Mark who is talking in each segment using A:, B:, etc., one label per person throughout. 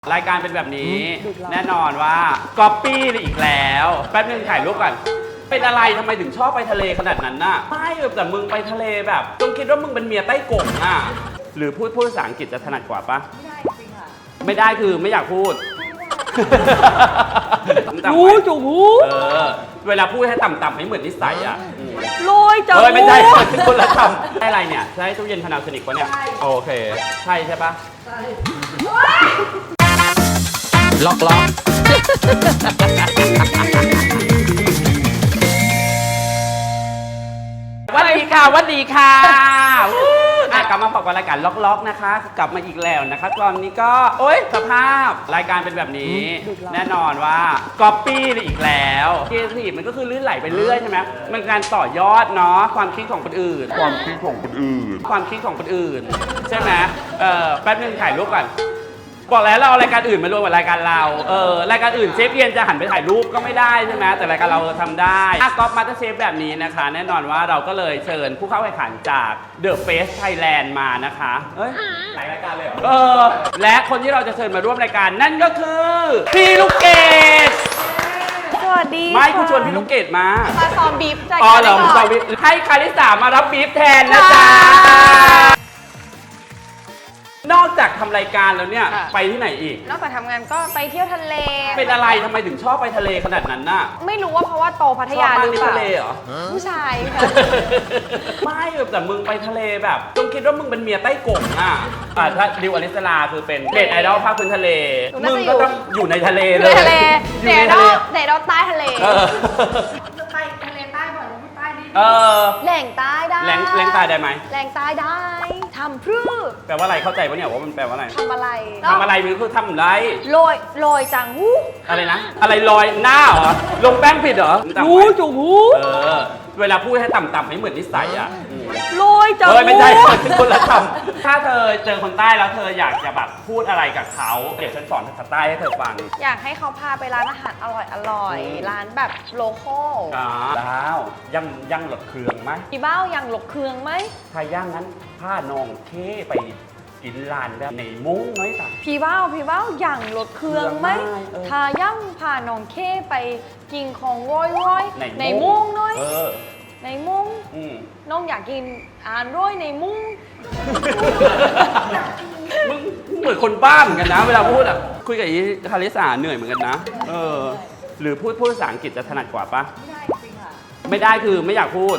A: รายการเป็นแบบนี้แน่นอนว่าก๊อปปี้อีกแล้วแป๊บนึงถ่ายรูปก่อนเป็นอะไรทำไมถึงชอบไปทะเลขนาดนั้นน่ะไม่แต่มึงไปทะเลแบบจงคิดว่ามึงเป็นเมียใต้กงอ่ะหรือพูดภาษาอังกฤษจะถนัดกว่าปะไม่ได้จริงค่ะไม่ได้คือไม่อยากพูดรู้จูหูเวลาพูดให้ต่ำๆให้เหมือนนิสัยอ่ะ
B: ลอยจัง
A: ไม่ใช่คนละคำได้อะไรเนี่ยใช่ตู้เย็นพนาโซนิกปะเนี่ยโอเคใช่ใช่ปะใช่ล็อกวัสดีค่ะวัสดีค่ะกลับมาพบกับรายการล็อกนะคะกลับมาอีกแล้วนะคะตอนนี้ก็โอ๊ยสภาพรายการเป็นแบบนี้แน่นอนว่าก๊อปปี้อีกแล้วครีเอทีฟมันก็คือลื่นไหลไปเรื่อยใช่ไหมมันการต่อยอดเนาะความคิดของคนอื่นใช่ไหมแป๊บนึงถ่ายรูปก่อนบอกแล้วเราเอารายการอื่นมารวมกับรายการเรารายการอื่นเชฟเอียนจะหันไปถ่ายรูปก็ไม่ได้ใช่ไหมแต่รายการเราทำได้ก๊อปมาสเตอร์เชฟแบบนี้นะคะแน่นอนว่าเราก็เลยเชิญผู้เข้าแข่งขันจาก The Face Thailand มานะคะหลายรายการเลยเหรอและคนที่เราจะเชิญมาร่วมรายการนั่นก็คือพี่ลูกเกด
B: สวัสดี
A: ไม่คุณชวนพี่ลูกเกดมา
B: ซ้อมบีฟใจ
A: เหรอซ้อมบีฟให้คาริสามารับบีฟแทนนะจ๊ะนอกจากทำรายการแล้วเนี่ยไปที่ไหนอีก
B: นอกจากทำงานก็ไปเที่ยวทะเล
A: เป็นอะไรทำไมถึงชอบไปทะเลขนาดนั้นน่ะ
B: ไม่รู้ว่าเพราะว่าโตพัทยาหรือเปล่า
A: ทะเลเหรอ
B: ผู้ชายค่ะ
A: ไม่แต่มึงไปทะเลแบบจงคิดว่ามึงเป็นเมียใต้กงอ่ะถ้าดิวอลิสลาคือเป็นเน็ตไอดอลภาคพื้นทะเลมึงก็ต้องอยู่ในทะเลเลย
B: เน็ตไอดอลใต้ทะเล
C: จะไปทะเลใต้บ่อยลงใต้ดิ
B: แหล่งใต้ได้
A: แหล่งใต้ได้ไหม
B: แหล่งใต้ได้ทำพรื้
A: แปลว่าอะไรเข้าใจปะเนี่ยว่ามันแปลว่าอะไร
B: ทำอะไร
A: มันคือทำอะไร
B: ลอยจังหู
A: อะไรนะอะไรลอยหน้าเหรอลงแป้งผิดเหรอ
B: รู้จูหู
A: เวลาพูดให้ต่ำๆให้เหมือนนิสัยอ่ะ
B: ลอยจังหู
A: ไม่ใช่คนละคำถ้าเธอเจอคนใต้แล้วเธออยากจะแบบพูดอะไรกับเขาเดี๋ยวฉันสอนภาษาใต้ให้เธอฟัง
B: อยากให้เขาพาไปร้านอาหารอร่อยร้านแบบโลคอล
A: แล้วย่างหลดเครื่องไหม
B: พี่เบ้าย่างหลดเครื่องไหม
A: ถ้าย่างนั้นผ้านองเคไปกินลานแบบในมุ้งน้อยต่าง
B: พี่เบ้าย่างหลดเครื่องไหมถ้าย่างพาน้องเคไปกินของร้อยในมุ้งน้อยในมุ้งน้องอยากกินร้อยในมุ้ง
A: มึงเหมือนคนบ้าเหมือนกันนะเวลาพูดอ่ะคุยกับอีคาริสาเหนื่อยเหมือนกันนะหรือพูดภาษาอังกฤษจะถนัดกว่าปะไม่ได้จริงค่ะไม่ได้คือไม่อยากพูด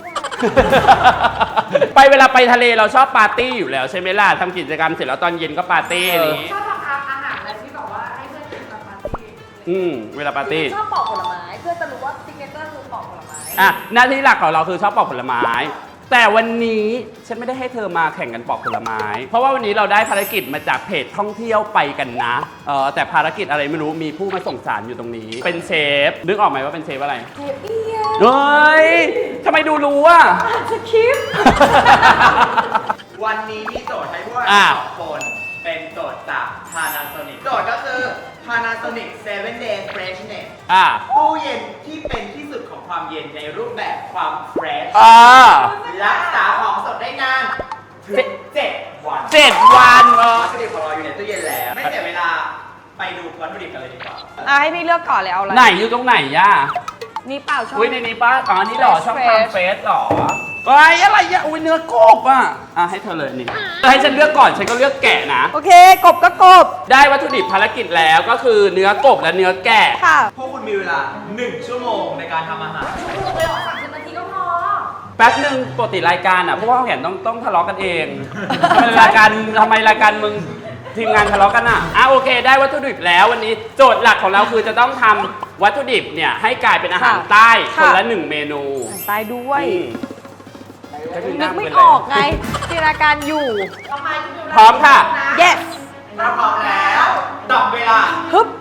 A: เวลาไปทะเลเราชอบปาร์ตี้อยู่แล้วใช่ไหมล่ะทำกิจกรรมเสร็จแล้วตอนเย็นก็ปาร์ตี้อะไรอย่างงี้
C: ชอบทำอาหารอะไรที่แบบว่าให้เพื่อนกินตอนปาร์ตี้
A: เวลาปาร์ตี้
C: ชอบปอกผลไม้เพื่อนจะรู้ว่าซิกเนเจอร์คือปอกผลไม้
A: หน้าที่หลักของเราคือชอบปอกผลไม้แต่วันนี้ฉันไม่ได้ให้เธอมาแข่งกันปอกผลไม้เพราะว่าวันนี้เราได้ภารกิจมาจากเพจท่องเที่ยวไปกันนะแต่ภารกิจอะไรไม่รู้มีผู้มาส่งสารอยู่ตรงนี้เป็นเชฟนึกออกไหมว่าเป็นเชฟอะไร
B: เชฟเอียน
A: เฮ้ยทำไมรู้อ่ะ
B: สคริปต์
D: วันนี้มีโจทย์ให้พวกเราสองคนเป็นโจทย์จาก Panasonic โจทย์ก็คือ Panasonic 7 Day Freshness ตู้เย็นที่เป็นที่สุดของความเย็นในรูปแบบความ fresh รักษาของสดได้นานถึง7 วัน
A: วัต
D: ถุดิบของเราอยู่ในตู้เย็นแล้วไม่เสียเวลาไปดูวัตถุดิบกันเลยดีกว่า
B: ให้พี่เลือกก่อนเลยเอาอะไร
A: ไหนอยู่ตรงไหนย่า
B: นี่เปล่าช่อง
A: ในนี้ป้านี่หรอช่องทางเฟซหรออะไรอ่ะเนื้อกบให้เธอเลยนี่ให้ฉันเลือกก่อนฉันก็เลือกแกะนะ
B: โอเคกบก็กบ
A: ได้วัตถุดิบภารกิจแล้วก็คือเนื้อกบและเนื้อแกะ
B: ค่ะ
D: พวกคุณมีเวลา1 ชั่วโมงในการทำอาหาร
C: เลยออก30 นาทีก็พอ
A: แป๊บนึงปกติรายการเพราะว่าเขาเห็นต้องทะเลาะกันเองทำไมรายการมึงทีมงานทะเลาะกันโอเคได้วัตถุดิบแล้ววันนี้โจทย์หลักของเราคือจะต้องทำวัตถุดิบเนี่ยให้กลายเป็นอาหารใต้คนละ1 เมนู
B: ใต้ด้วยนึกไม่ออกไงจินตนาการอยู่
A: พร้อมค่ะ
B: yes
D: ถ้าพร้อมแล้วดับเวลา
B: ฮึบ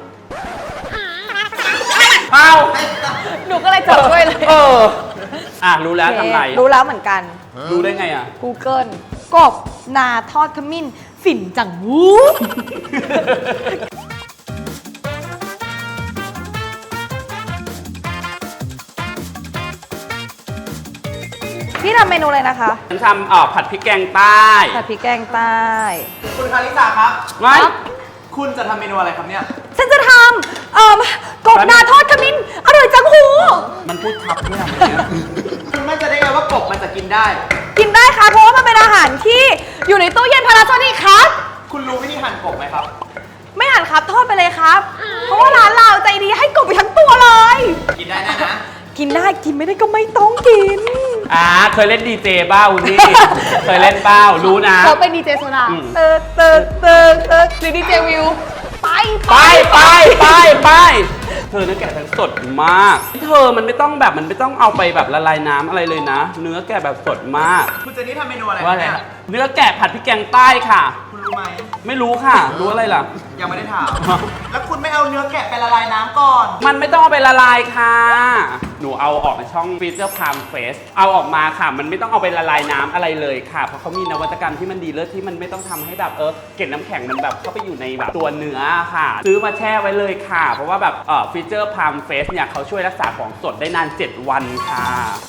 B: หนูก็เลยจดด้วยเลย
A: รู้แล้วทำไร
B: รู้แล้วเหมือนกัน
A: รู้ได้ไง
B: Google กบนาทอดขมิ้นฝิ่นจังหูพี่ทำเมนูอะไรนะคะ
A: ฉันทำผัดพริกแกงใต้
B: ผัดพริกแกงใต้
D: คุณคาริสาครับ
A: ไม่
D: คุณจะทำเมนูอะไรครับเนี่ย
B: ฉันจะทำกบนาทอดขมิ้นอร่อยจังหู
A: มันพูดทับด้วยอะ
D: คุณมั่นใจได้ไงว่ากบมันจะกินได้
B: กินได้ค่ะเพราะว่ามันเป็นอาหารที่อยู่ในตู้เย็นพาราโซนิกครับ
D: คุณรู้วิธีหั่นกบไหมครับ
B: ไม่หั่นครับทอดไปเลยครับ เพราะว่าร้านเราใจดีให้กบไปทั้งตัวเลย
D: กินได้แน่นะ
B: กินได้กินไม่ได้ก็ไม่ต้องกิน
A: เคยเล่นดีเจบ้าคุณนี่ เคยเล่นเป้ารู้นะ
B: เขาเป็นดีเจโซดา
A: อืม
B: หรือดีเจวิวไป
A: เธอเนื้อแกะทั้งสดมาก เธอมันไม่ต้องแบบมันไม่ต้องเอาไปแบบละลายน้ำอะไรเลยนะ เนื้อแกะแบบสดมาก
D: คุณเจนนี่ทำเมนูอะไร
A: ว่าไง
D: เนี่ย
A: เนื้อแกะผัดพริกแกงใต้ค่ะ
D: คุณรู้ไหม
A: ไม่รู้ค่ะ รู้อะไรล่ะ
D: ยังไม่ได้ถาม แล้วคุณไม่เอาเนื้อแกะไปละลายน้ำก่อน
A: มันไม่ต้องเอาไปละลายค่ะ หนูเอาออกในช่องฟีเจอร์พามเฟสเอาออกมาค่ะ มันไม่ต้องเอาไปละลายน้ำอะไรเลยค่ะ เพราะเขามีนวัตกรรมที่มันดีเลิศที่มันไม่ต้องทำให้แบบเกล็ดน้ำแข็งมันแบบเข้าไปอยู่ในแบบตัวเนื้อค่ะ ซื้อมาแช่ไว้เลยค่ะ เพราะว่าแบบฟีเจอร์พามเฟสเนี่ยเขาช่วยรักษาของสดได้นาน 7 วันค่ะ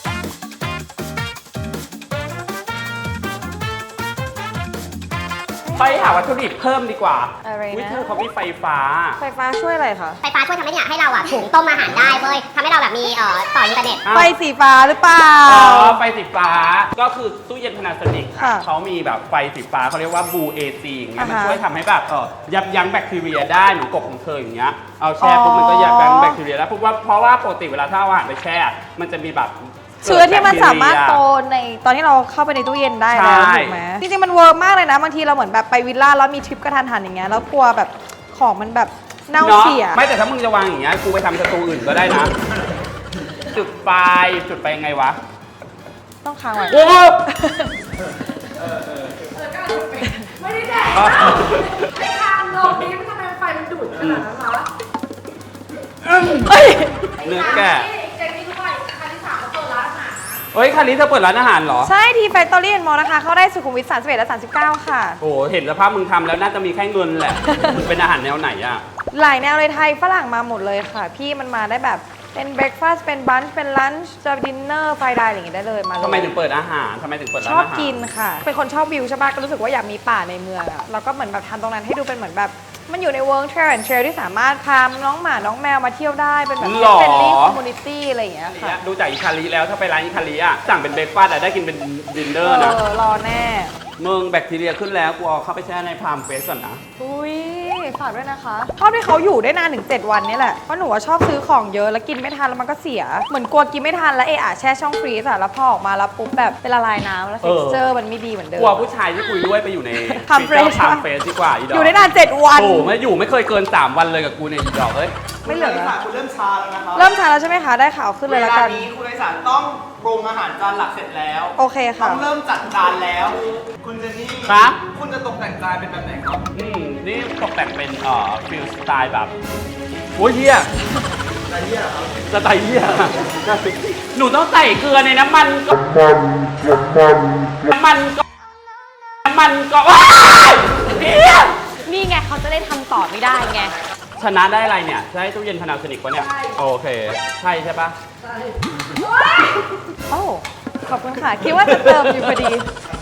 A: ไปหาวัตถุดิบเพิ่มดีกว่า
B: อะไรนะ
A: วิเธอเขามีไฟฟ้า
B: ไฟฟ้าช่วยอะไรคะ
E: ไฟฟ้าช่วยทำให้เนี่ยให้เราอะถุงต้มอาหารได้เว้ยทำให้เราแบบมีต่ออินเทอร์เน็ต
B: ไฟสีฟ้าหรือเปล่า
A: ไฟสีฟ้าก็คือตู้เย็น Panasonic ค่ะ
B: ค่ะ
A: เขามีแบบไฟสีฟ้าเขาเรียกว่า Blue AC อย่างเงี้ยมัน
B: อ่าฮะ
A: ช่วยทำให้แบบยับยั้งแบคทีเรียได้เหมือนกบของเธออย่างเงี้ยเอาแช่ปุ๊บมันก็ยับยั้งแบคทีเรียได้เพราะว่าปกติเวลาถ้าเอาอาหารไปแช่มันจะมีแบบ
B: เชื้อที่มันสามารถโตในตอนที่เราเข้าไปในตู้เย็นได้แล้ว
A: ใช่
B: ถูกไหมจริงๆมันเวิร์กมากเลยนะบางทีเราเหมือนแบบไปวิลล่าแล้วมีทริปกระทันหันอย่างเงี้ยแล้วกลัวแบบของมันแบบเน่า
A: เนาะ
B: เสีย
A: ไม่แต่ถ้ามึงจะวางอย่างเงี้ยกูไปทำสตูอื่นก็ได้นะ จุดไฟยังไงวะ
B: ต้องค้างไว้
A: โอ้
C: ไม่ได้แดกไอ้ทางลงนี้มันทำไมไฟมันดูดขนาดนั้นวะ
B: เอ้ย
A: เนื้อแกะ
C: เจนนี่ทุกวันครั้งที่ 3เขาเปิดร้านอาหาร
A: เฮ้ยคันนี้เธอเปิดร้านอาหารเหรอ
B: ใช่ที่แฟคทอรี่แอนด์มอลล์นะคะ เข้าได้สุขุมวิท31และ39 ค่ะ
A: โอ้โหเห็นสภาพมึงทำแล้วน่าจะมีแค่เงินแหละ มึงเป็นอาหารแนวไหนอะ
B: หลายแนวเลยไทยฝรั่งมาหมดเลยค่ะ พี่มันมาได้แบบเป็นเบรคฟาสต์เป็นบันช์เป็นลันช์จะดินเนอร์ไฟไดน์อะไรอย่างงี้ได้เลยมาเลย
A: ทำไมถึงเปิดอาหารทำไมถึงเปิดร้า
B: ช
A: น
B: อบ
A: อาหาร
B: กินค่ะ เป็นคนชอบวิวใช่ปะก็รู้สึกว่าอยากมีป่าในเมืองอะแล้วก็เหมือนแบบทำตรงนั้นให้ดูเป็นเหมือนแบบ มันอยู่ในเวิร์กเทรนด์เทรลที่สามารถพาน้องหมาน้องแมวมาเที่ยวได้เป็นแบบ
A: หรอ
B: เฟรนลี่คอมมูนิตี้อะไรอย่างเงี้ยค่ะ
A: ดูจากอิคาริแล้วถ้าไปร้านอิคาริอะสั่งเป็นเบรกฟาสต์อะได้กินเป็นดินเนอร์นะ
B: รอแน่
A: มึงแบคทีเรียขึ้นแล้วกูเอาเข้าไปแช่ในพามเฟสก่อนนะ
B: อุ้ยฝากด้วยนะคะชอบที่เขาอยู่ได้นานถึง 7 วันนี่แหละ เพราะหนูว่าชอบซื้อของเยอะแล้วกินไม่ทันแล้วมันก็เสีย เหมือนกลัวกินไม่ทันแล้วแช่ช่องฟรีซอะแล้วพอออกมาแล้วปุ๊บแบบเป็นละลายน้ำแล้ว
A: เออ
B: texture มันไม่ดีเหมือนเดิม
A: กลัวผู้ชายที่คุยด้วยไปอยู่ใน
B: Palm Fresh
A: พามเฟสดีกว่าอีดอก
B: อยู่ได้นาน 7 วัน
A: โอ้ไม่อยู่ไม่เคยเกิน 3 วันเลยกับกูเนี่ยอีดอกเอ้ย
B: ไม่เหลือ
D: คุณอริสาคุณเริ่มชาแล้วนะครับ
B: เริ่มช้าแล้วใช่ไหมคะ ได้ข่าวขึ้นเลยละกัน
D: วนี้คุณอริสาต้องปรุงอาหารจานหลักเสร็จแล้ว
B: โอเค
D: ต้
B: ค่ะ
D: องเริ่มจัดจานแล้ว คุณเจนนี่
A: ครับ
D: คุณจะตกแต่งจานเป็นแบบไหนครับ
A: นี่ตกแต่งเป็นฟิลสไตล์แบบโอ้ยเฮีย
D: อะไรเนี่ยครับ
A: สไตล์เฮียหนูต้องใส่เกลือในน้ำมันก็น้ำมันก็ว้ายเฮีย
B: นี่ไงเขาจะได้ทำต่อไม่ได้ไง
A: ชนะได้อะไรเนี่ยใช้ตู้เย็นPanasonicปะเนี่ยโอเคใช่ใช่ปะ
B: โอ้ ขอบคุณค่ะ คิดว่าจะเติมอยู่พอดี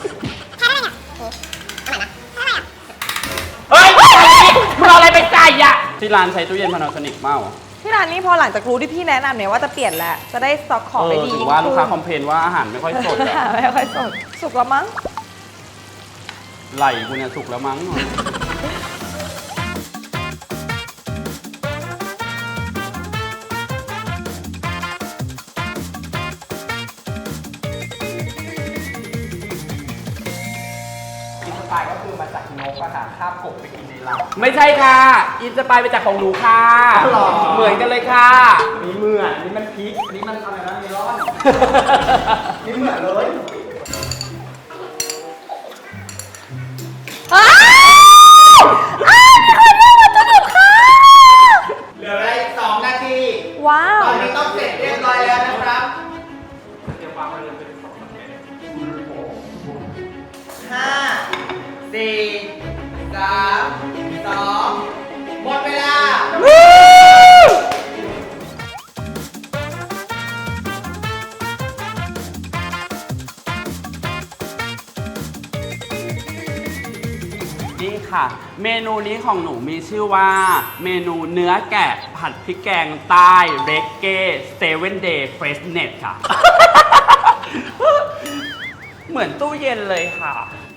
A: เฮ้ยมึงเอาอะไรไปใส่อะที่ร้านใช้ตู้เย็นPanasonicเมา
B: ที่ร้านนี้พอหลังจากรู้ที่พี่แนะนำเนี่ยว่าจะเปลี่ยนแล้ว จะได้สต็อกของได้ดี
A: ถึงว่าลูกค้าคอมเพลนว่าอาหารไม่ค่อยสดอะ
B: ไม่ค่อยสด สุกแล้วมั้ง
A: ไหลกูเนี่ยสุกแล้วมั้ง
D: อินสปายก็คือมาจากนกอะค่ะคาบกบไปกินในรัง
A: ไม่ใช่ค่ะ อินสปายไปจากของหนูค่ะ
D: หรอ
A: เหมือนกันเลยค่ะ
D: นี่เหมือนนี่มันพริกนี่มันอะไรนะเมลอน นี่เหมือนเลย
B: อ้าวมีคนเลือกวัตถุดิบค่ะ
D: เหลือเวลาอีก2 นาที
B: ว้าว
D: ตอนนี้ต้องเสร็จเรียบร้อยแล้วนะครับห้าสี่สามสองหมดเวลา
A: นี่ค่ะค่ะ เมนูนี้ของหนูมีชื่อว่าเมนูเนื้อแกะผัดพริกแกงใต้เรกเก้7 day freshness ค่ะ เหมือนตู้เย็นเลยค่ะ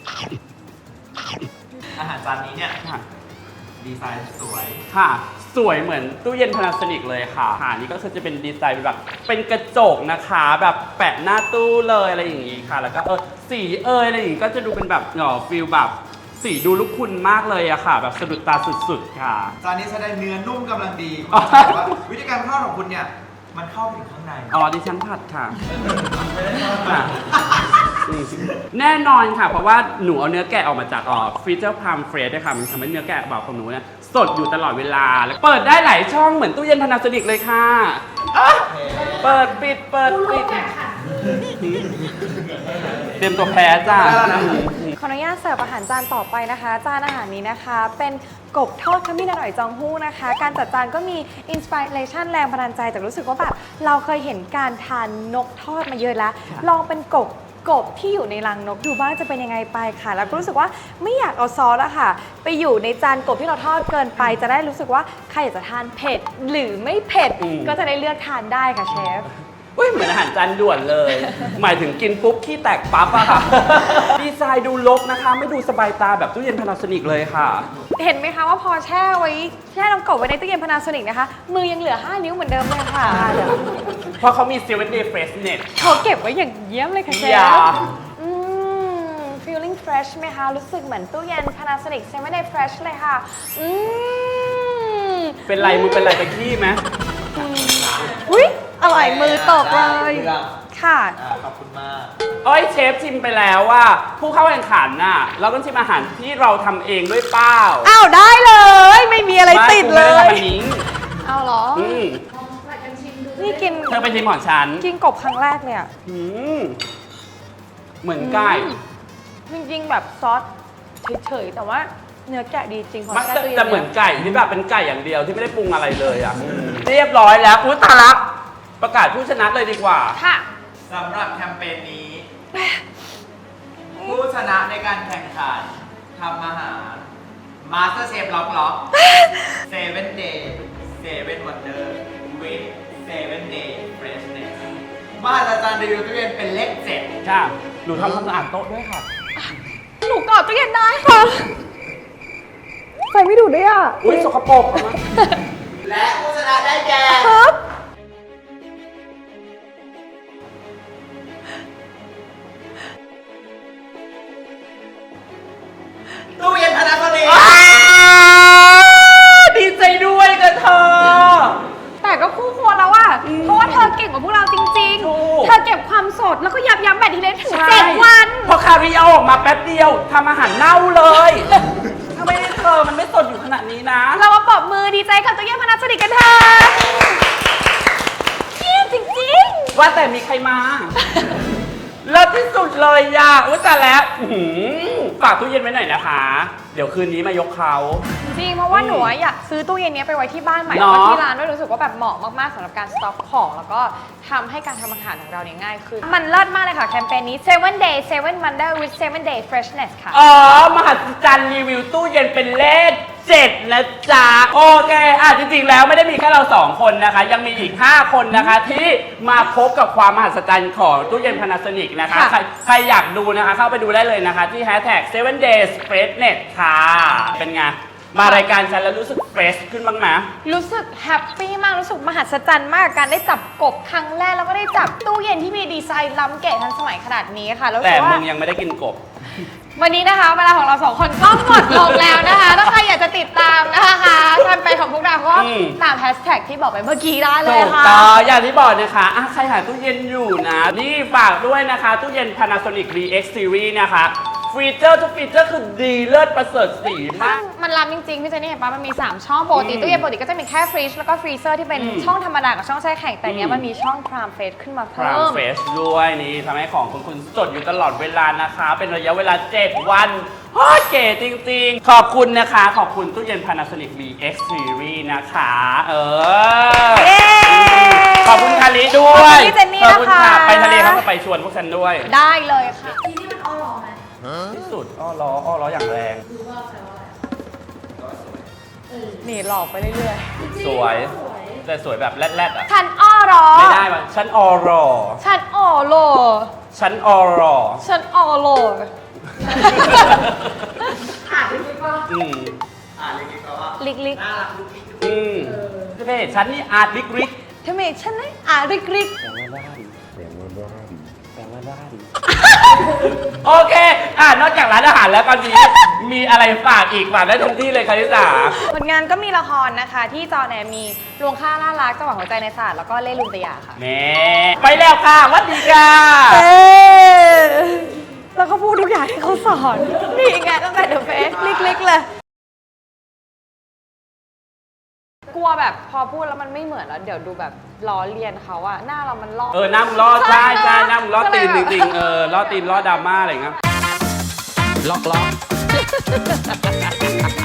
D: อาหารจานนี้เนี่ย
A: ค่ะ
D: ดีไซน์สวย
A: ค่ะ สวยเหมือนตู้เย็น Panasonic เลยค่ะค่ะนี่ก็คือจะเป็นดีไซน์แบบเป็นกระจกนะคะแบบแปะหน้าตู้เลยอะไรอย่างงี้ค่ะ แล้วก็สีอะไรอย่างงี้ก็จะดูเป็นแบบฟิลแบบสีดูลุกคุณมากเลยอะค่ะ แบบสะดุดตาสุดๆค่ะ
D: จานนี้แสดงเนื้อนุ่มกำลังดีคุณจะบอกว่าวิธีการทอดของคุณเนี่ยมันเข้าไปถึงข้างใน
A: อ๋อดิฉันผัดค่ะค่ะแน่นอนค่ะ เพราะว่าหนูเอาเนื้อแกะออกมาจากฟรีเจอร์พามเฟรชด้วยค่ะมันทำให้เนื้อแกะแบบของหนูเนี่ยสดอยู่ตลอดเวลาแล้วเปิดได้หลายช่องเหมือนตู้เย็นพานาโซนิกเลยค่ะเปิดปิดเปิดปิดเตรียมตัวแพ้จ้า
B: ขออนุญาตเสิร์ฟอาหารจานต่อไปนะคะ จานอาหารนี้นะคะ เป็นกบทอดขมิ้นอร่อยจองฮู้นะคะ การจัดจานก็มีอินสปิเรชันแรงบันดาลใจแต่รู้สึกว่าแบบเราเคยเห็นการทานนกทอดมาเยอะแล้ว ลองเป็นกบที่อยู่ในรังนกดูบ้างจะเป็นยังไงไปค่ะ แล้วก็รู้สึกว่าไม่อยากเอาซอสอะค่ะ ไปอยู่ในจานกบที่เราทอดเกินไปจะได้รู้สึกว่าใครอยากจะทานเผ็ดหรือไม่เผ็ดก็จะได้เลือกทานได้ค่ะเชฟ
A: อุ้ยเหมือนอาหารจานด่วนเลย หมายถึงกินปุ๊บขี้แตกปั๊บอะค่ะ ดีไซน์ดูรกนะคะ ไม่ดูสบายตาแบบตู้เย็นพานาโซนิกเลยค่ะ
B: เห็นไหมคะว่าพอแช่น้ำกบไว้ในตู้เย็นพานาโซนิกนะคะ มือยังเหลือ 5 นิ้วเหมือนเดิมเลยค่ะ
A: เพราะเขามี7 day freshness
B: เขาเก็บไว้อย่างเยี่ยมเลยค่ะเช
A: อย่า
B: ฟfeeling fresh ไหมคะ รู้สึกเหมือนตู้เย็น Panasonic 7 day fresh เลยค่ะ
A: เป็นไรมึงเป็นไรตะขี้ไหม
B: อุ๊ยอร่อยมือตกเลย
D: เรื่อง
B: ค่ะ
D: ขอบคุณมาก
A: เอ้ยเชฟชิมไปแล้วว่าผู้เข้าแข่งขันน่ะเราต้องชิมอาหารที่เราทำเองด้วยเปล่า
B: อ้าวได้เลย ไม่มีอะไรติดเล
A: ไม่กูไม่ได้
B: ย
A: ทำอันนี้
B: เอาเหรอ
A: อืม
C: ใส่กันชิมดู
B: นี่กิน
A: เธอไปชิมของฉัน
B: กินกบครั้งแรกเลยอะ
A: อืมเหมือนไก่
B: จริงๆแบบซอสเฉยๆแต่ว่าเนื้อแกะดีจริงพอ
A: มัน
B: แช่ตู้เย็น
A: จะเหมือนไก่ที่แบบเป็นไก่อย่างเดียวที่ไม่ได้ปรุงอะไรเลยอ่ะเรียบร้อยแล้วอุ้ยตายละประกาศผู้ชนะเลยดีกว่า
B: ค่ะ
D: สำหรับแคมเปญนี้ ผู้ชนะในการแข่งขันทำอาหาร Master Chef ล็อก7 day 7 wonder with 7 day freshness มหัศจรรย์รีวิวตู้เย็นเป็นเลข 7
A: ค่ะ หนูทำความสะอาดโต๊ะด้วยค่ะ
B: หนูกอดตู้เย็นได้ค่ะใส่ไม่ดูดด้วยอ่ะ
A: อุ้ยสกปรกเอามา
D: และผู้ชนะได้แก่
B: ครับ
D: ตู้เย็นพานาโซนิก
A: ดีใจด้วยกับเธอ
B: แต่ก็คู่ควรแล้วอ่ะเพราะว่าเธอเก่งกว่าพวกเราจริง
A: ถูก
B: ๆ เธอเก็บความสดแล้วก็ยับยั้งแบคทีเรียถึง7 วัน
A: พอคาริเอาออกมาแป๊บเดียวทำอาหารเน่าเลย ถ้าไม่ได้เธอมันไม่สดอยู่ขนาดนี้นะ
B: เรามาปรบมือดีใจกับตู้เย็นพานาโซนิกกันเถอะเยี่ยมจริง
A: ว่าแต่มีใครมาเลิศที่สุดเลยอ่ะอุ้ยแต่แล้วอื้อหือฝากตู้เย็นไว้หน่อยนะคะ เดี๋ยวคืนนี้มายกเขา
B: ๆ จริงเพราะว่าหนูอะอยากซื้อตู้เย็นนี้ไปไว้ที่บ้านใหม่
A: เน
B: แล้ว
A: อะ
B: ก็ที่ร้านด้วยรู้สึกว่าแบบเหมาะมากๆสำหรับการสต็อกของแล้วก็ทำให้การทำอาหารของเราเนี่ยง่ายขึ้น มันเลิศมากเลยค่ะแคมเปญนี้7 day 7 wonder with 7 day freshness ค่ะ
A: อ๋อ มหัศจรรย์รีวิวตู้เย็นเป็นเลข 7 นะจ๊ะ โอเคจริงๆแล้วไม่ได้มีแค่เรา 2 คนนะคะ ยังมีอีก 5 คนนะคะ ที่มาพบกับความมหัศจรรย์ของตู้เย็น Panasonic นะคะ
B: ค่ะ
A: ใครอยากดูนะคะ เข้าไปดูได้เลยนะคะ ที่ 7 days freshness ค่ะ เป็นไง มารายการฉันแล้วรู้สึกเฟรชขึ้นบ้างไหม
B: รู้สึกแฮปปี้มากรู้สึกมหัศจรรย์มากกับการได้จับกบครั้งแรกแล้วก็ได้จับตู้เย็นที่มีดีไซน์ล้ำเก๋ทันสมัยขนาดนี้ค่ะแล้วรู้
A: แต่
B: สึก
A: มึ
B: ว่า
A: งยังไม่ได้กินกบ
B: วันนี้นะคะเวลาของเรา2 คนก็หมดลงแล้วนะคะถ้าใครอยากจะติดตามนะคะแคมเปญของพวกเราก็
A: อืม
B: ตามแฮชแท็กที่บอกไปเมื่อกี้ได้เลย
A: ถูก
B: ค่ะ
A: ต้องอย่างที่บอกนะคะใครหาตู้เย็นอยู่นะ นี่ฝากด้วยนะคะ ตู้เย็น Panasonic VX Series นะคะฟีเจอร์ทุกฟีเจอร์คือดีเลิศประเสริฐสีมาก
B: มันล้ำจริงๆ พี่เจนนี่เห็นปะมันมี 3 ช่องปกติตู้เย็นปกติก็จะมีแค่ฟรีซแล้วก็ฟรีเซอร์ที่เป็นช่องธรรมดากับช่องแช่แข็งแต่เนี้ยมันมีช่องพรามเฟสขึ้นมา
A: พราม
B: เพิ่ม
A: เฟสด้วยนี่ทำให้ของคุณสดอยู่ตลอดเวลานะคะ เป็นระยะเวลา 7 วันโอ้ยเก๋จริงๆ ขอบคุณนะคะ ขอบคุณตู้เย็น Panasonic VX Series นะคะ
B: เย้
A: ขอบคุณคาริด้วย
B: ขอบคุณพี่เจนนี่
A: ขอบคุณ
B: นะคะ
A: ไปทะเลเขาจะไปชวนพวกฉันด้วย
B: ได้เลยค่ะ
C: ทีนี้มันอ้อหรอไหม
A: ที่สุดอ้อล้ออย่างแรง
C: คือว่าแปลว่าอะไร
B: นี่หลอกไปเรื่อย
A: สวย แต่สวยแบบแรดๆอ่ะ
B: ๆฉันอ้อรอ
A: ไม่ได้ว่ะฉันออรอ
B: ฉันอ้อโล
A: ฉันออรอ
B: ฉันอ้อโล
C: อ่านดีกว่า
A: อืม
D: เล็กๆก็ว่า
B: ลิกลิก
D: น่ารักลูกอีก
A: อืมเท่ฉันนี่อาร์ตลิกริก
B: ทำไมฉันไหนอ่ะริกริก
A: แปลว่าด้านโอเค นอกจากร้านอาหารแล้วตอนนี้มีอะไรฝากอีกฝากได้ทุกที่เลยคาริสา
B: ผลงานก็มีละครนะคะ ที่จอแนมีลวงค่าล่ารักจังหวะหัวใจในศาสตร์แล้วก็เล่ลุนตยาค่ะ
A: แม่ไปแล้วค่ะสวัสดีค่ะ
B: แล้วก็พูดทุกอย่างที่เขาสอนนี่ไงตั้งแต่เดอะเฟสลิกๆเลย กลัวแบบพอพูดแล้วมันไม่เหมือนแล้วเดี๋ยวดูแบบล้อเลียนเขาอะหน้าเรามันลอก
A: หน้ามึงล้อใช่ใช่หน้ามึงล้อตีน
B: ก็
A: จ
B: เลยแบบ
A: ริงๆล้อตีนล้อดราม่าอะไรอย่างเงี้ยล็อก